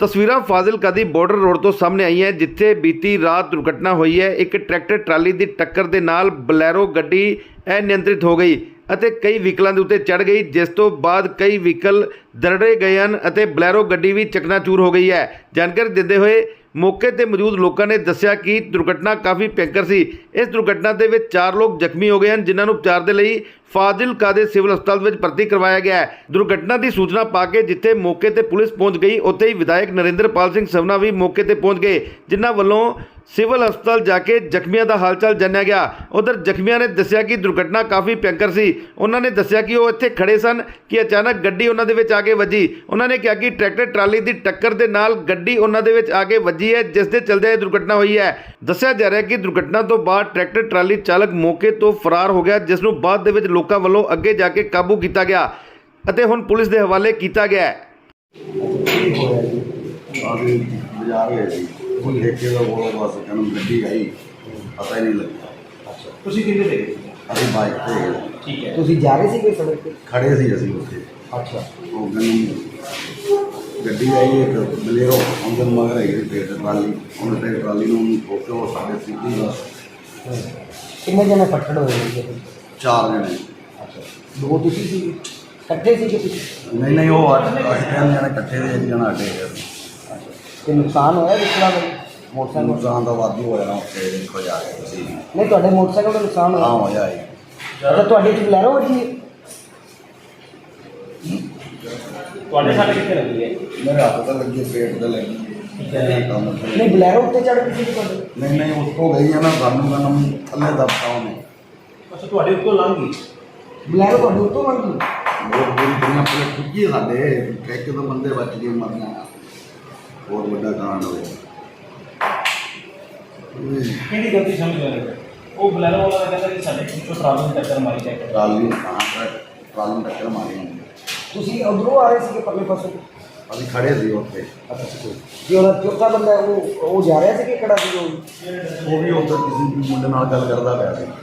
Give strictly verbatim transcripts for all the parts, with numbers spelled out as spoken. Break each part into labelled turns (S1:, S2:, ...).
S1: ਤਸਵੀਰਾਂ ਫਾਜ਼ਿਲਕਾ ਦੀ border road ਤੋਂ ਸਾਹਮਣੇ ਆਈ ਹੈ, ਜਿੱਥੇ ਬੀਤੀ ਰਾਤ ਦੁਰਘਟਨਾ ਹੋਈ ਹੈ। ਇੱਕ ਟਰੈਕਟਰ ਟਰਾਲੀ ਦੀ ਟੱਕਰ ਦੇ ਨਾਲ ਬਲੈਰੋ ਗੱਡੀ ਅਨਿਯੰਤਰਿਤ ਹੋ ਗਈ ਅਤੇ ਕਈ ਵਹੀਕਲਾਂ ਦੇ ਉੱਤੇ ਚੜ੍ਹ ਗਈ, ਜਿਸ ਤੋਂ ਬਾਅਦ ਕਈ ਵਹੀਕਲ ਦਰੜੇ ਗਏ ਹਨ ਅਤੇ ਬਲੈਰੋ ਗੱਡੀ ਵੀ ਚਕਨਾਚੂਰ ਹੋ ਗਈ ਹੈ। ਜਾਣਕਾਰੀ ਦਿੰਦੇ ਹੋਏ ਮੌਕੇ ਤੇ ਮੌਜੂਦ ਲੋਕਾਂ ਨੇ ਦੱਸਿਆ ਕਿ ਦੁਰਘਟਨਾ ਕਾਫੀ ਭਿਅੰਕਰ ਸੀ। ਇਸ ਦੁਰਘਟਨਾ ਦੇ ਵਿੱਚ ਚਾਰ ਲੋਕ ਜ਼ਖਮੀ ਹੋ ਗਏ ਹਨ, ਜਿਨ੍ਹਾਂ ਨੂੰ ਉਪਚਾਰ ਦੇ ਲਈ ਫਾਜ਼ਿਲਕਾ ਦੇ ਸਿਵਲ ਹਸਪਤਾਲ ਵਿੱਚ ਭਰਤੀ ਕਰਵਾਇਆ ਗਿਆ ਹੈ। ਦੁਰਘਟਨਾ ਦੀ ਸੂਚਨਾ ਪਾ ਕੇ ਜਿੱਥੇ ਮੌਕੇ ਤੇ ਪੁਲਿਸ ਪਹੁੰਚ ਗਈ, ਉੱਥੇ ਹੀ ਵਿਧਾਇਕ ਨਰਿੰਦਰਪਾਲ ਸਿੰਘ ਸਵਨਾ ਵੀ ਮੌਕੇ ਤੇ ਪਹੁੰਚ ਗਏ, ਜਿਨ੍ਹਾਂ ਵੱਲੋਂ ਸਿਵਲ ਹਸਪਤਾਲ ਜਾ ਕੇ ਜ਼ਖਮੀਆਂ ਦਾ ਹਾਲਚਾਲ ਜਾਣਿਆ ਗਿਆ। ਉਧਰ ਜ਼ਖਮੀਆਂ ਨੇ ਦੱਸਿਆ ਕਿ ਦੁਰਘਟਨਾ ਕਾਫੀ ਭਿਅੰਕਰ ਸੀ। ਉਹਨਾਂ ਨੇ ਦੱਸਿਆ ਕਿ ਉਹ ਇੱਥੇ ਖੜੇ ਸਨ ਕਿ ਅਚਾਨਕ ਗੱਡੀ ਉਹਨਾਂ ਦੇ ਵਿੱਚ ਆ ਕੇ ਵੱਜੀ। ਉਹਨਾਂ ਨੇ ਕਿਹਾ ਕਿ ਟਰੈਕਟਰ ਟਰਾਲੀ ਦੀ ਟੱਕਰ ਦੇ ਨਾਲ ਗੱਡੀ ਉਹਨਾਂ ਦੇ ਵਿੱਚ ਆ ਕੇ ਵੱਜੀ ਹੈ, ਜਿਸ ਦੇ ਚਲਦਿਆਂ ਇਹ ਦੁਰਘਟਨਾ ਹੋਈ ਹੈ। ਦੱਸਿਆ ਜਾ ਰਿਹਾ ਕਿ ਦੁਰਘਟਨਾ ਤੋਂ ਬਾਅਦ ਟਰੈਕਟਰ ਟਰਾਲੀ ਚਾਲਕ ਮੌਕੇ ਤੋਂ ਫਰਾਰ ਹੋ ਗਿਆ, ਜਿਸ ਨੂੰ ਬਾਅਦ ਦੇ ਵਿੱਚ ਲੋਕਾਂ ਵੱਲੋਂ ਅੱਗੇ ਜਾ ਕੇ ਕਾਬੂ ਕੀਤਾ ਗਿਆ ਅਤੇ ਹੁਣ ਪੁਲਿਸ ਦੇ ਹਵਾਲੇ ਕੀਤਾ ਗਿਆ ਹੈ।
S2: ਹੁਣ ਠੇਕੇ ਦਾ ਬੋਲੋ ਬਸ ਕਹਿੰਦਾ ਗੱਡੀ ਆਈ, ਪਤਾ ਹੀ ਨਹੀਂ ਲੱਗਿਆ।
S3: ਅੱਛਾ, ਤੁਸੀਂ ਕਿੱਥੇ ਦੇ ਗਏ?
S2: ਅਸੀਂ ਬਾਈਕ ਤੇ
S3: ਠੀਕ ਹੈ, ਤੁਸੀਂ ਜਾ ਰਹੇ ਸੀ ਕੋਈ ਸੜਕ ਤੇ?
S2: ਖੜੇ ਸੀ ਅਸੀਂ ਉੱਥੇ।
S3: ਅੱਛਾ,
S2: ਉਹ ਕਹਿੰਦਾ ਗੱਡੀ ਆਈ ਇੱਕ ਬਲੇਰੋ, ਉਹਦੇ ਮਗਰ ਹੈਗੀ ਸੀ ਟਰਾਲੀ, ਉਹਨੇ ਤੇ ਟਰਾਲੀ ਨੂੰ ਠੋਕਿਆ, ਉਹ ਸਾਡੇ ਸਿੱਧੀ ਬਸ।
S3: ਕਿੰਨੇ ਜਣੇ ਫੱਟੜ ਹੋਏ ਸੀ?
S2: ਚਾਰ ਜਣੇ।
S3: ਅੱਛਾ, ਦੋ ਤੁਸੀਂ ਸੀ, ਇਕੱਠੇ ਸੀ ਕਿ ਤੁਸੀਂ?
S2: ਨਹੀਂ ਨਹੀਂ, ਉਹ ਅੱਠ ਅੱਠ ਤਿੰਨ ਜਣੇ ਇਕੱਠੇ ਦੇ, ਇੱਕ ਜਣਾ ਅੱਡੇ ਗਏ।
S3: ਤੇ ਨੁਕਸਾਨ ਹੋਇਆ ਵਿਚਲਾ ਮੋਟਰਸਾਈਕਲ?
S2: ਨੁਕਸਾਨ ਦਾ ਵਾਧੂ ਹੋਇਆ ਨਾ ਉੱਥੇ, ਦੇਖੋ ਜਾ ਕੇ ਤੁਸੀਂ।
S3: ਨਹੀਂ, ਤੁਹਾਡੇ ਮੋਟਰਸਾਈਕਲ ਦਾ ਨੁਕਸਾਨ ਹੋਇਆ?
S2: ਹਾਂ ਹੋਇਆ ਜੀ।
S3: ਅੱਛਾ, ਤੁਹਾਡੇ ਚ ਬਲੈਰੋ ਵੱਜੀ ਹੈ? ਤੁਹਾਡੇ ਸਾਡੇ ਕਿੱਥੇ ਲੱਗੀ ਹੈ?
S2: ਮੇਰੇ ਹੱਥ ਤਾਂ ਲੱਗੀ, ਪੇਟ ਤੇ ਲੱਗੀ।
S3: ਨਹੀਂ, ਬਲੈਰੋ ਉੱਤੇ ਚੜ੍ਹ ਗਈ ਸੀ ਤੁਹਾਡੇ?
S2: ਨਹੀਂ ਨਹੀਂ, ਉੱਥੋਂ ਗਈ ਆ ਨਾ, ਸਾਨੂੰ ਮੈਨੂੰ ਥੱਲੇ ਦੱਬਤਾ ਉਹਨੇ।
S3: ਅੱਛਾ, ਤੁਹਾਡੇ ਉੱਤੋਂ ਲੰਘ ਗਈ ਬਲੈਰੋ? ਤੁਹਾਡੇ ਉੱਤੋਂ ਲੰਘ ਗਈ?
S2: ਬਹੁਤ ਬੁਰੀ ਦੁਨੀਆ ਪੂਰੇ ਠੁੱਕੀ ਸਾਡੇ ਠੇਕੇ ਤੋਂ ਬੰਦੇ ਬਚ ਗਏ, ਮਰਨਾ ਬਹੁਤ ਵੱਡਾ ਕਾਂਡ ਹੋਇਆ।
S4: ਕਿਹੜੀ ਗਲਤੀ ਸਮਝ ਰਹੇ? ਉਹ ਬਲੈਰੋ ਵਾਲਾ ਕਹਿੰਦਾ ਕਿ ਸਾਡੇ ਪਿੱਛੋਂ ਟਰਾਲੀ ਨੂੰ ਟੱਕਰ ਮਾਰੀ ਚੈੱਕ
S2: ਟਰਾਲੀ ਹਾਂ ਟਰਾਲੀ ਨੂੰ ਟੱਕਰ ਮਾਰੀ ਉਹਨੇ।
S3: ਤੁਸੀਂ ਉਧਰੋਂ ਆ ਰਹੇ ਸੀਗੇ ਪਰਲੇ ਪਾਸੋਂ?
S2: ਅਸੀਂ ਖੜੇ ਸੀ ਉੱਥੇ।
S3: ਅੱਛਾ, ਜੀ ਉਹਦਾ ਚੌਥਾ ਬੰਦਾ ਉਹ ਉਹ ਜਾ ਰਿਹਾ ਸੀ ਕਿ ਕਿਹੜਾ ਸੀ? ਉਹ
S2: ਉਹ ਵੀ ਉੱਥੇ ਕਿਸੇ ਮੁੰਡੇ ਨਾਲ ਗੱਲ ਕਰਦਾ ਪਿਆ ਸੀ।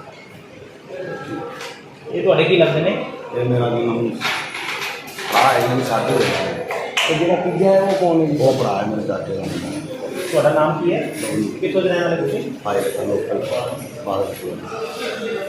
S4: ਇਹ ਤੁਹਾਡੇ ਕੀ ਲੱਗਦੇ ਨੇ?
S2: ਇਹ ਮੇਰਾ ਕੀ ਨਾਮ ਭਰਾ ਹੈ, ਮੇਰੇ ਸਾਡੇ ਹੋਇਆ।
S3: ਤੇ ਜਿਹੜਾ ਤੀਜਾ ਹੈ ਉਹ ਕੌਣ ਹੈ ਜੀ?
S2: ਉਹ ਭਰਾ ਹੈ ਮੇਰੇ ਚਾਚੇ ਦਾ ਮੁੰਡਾ।
S4: ਤੁਹਾਡਾ ਨਾਮ ਕੀ ਹੈ? ਕਿੱਥੋਂ ਦੇ ਰਹਿਣ ਵਾਲੇ ਤੁਸੀਂ?
S2: ਫਾਇਰ ਲੋਕਲ ਬਾਹਰ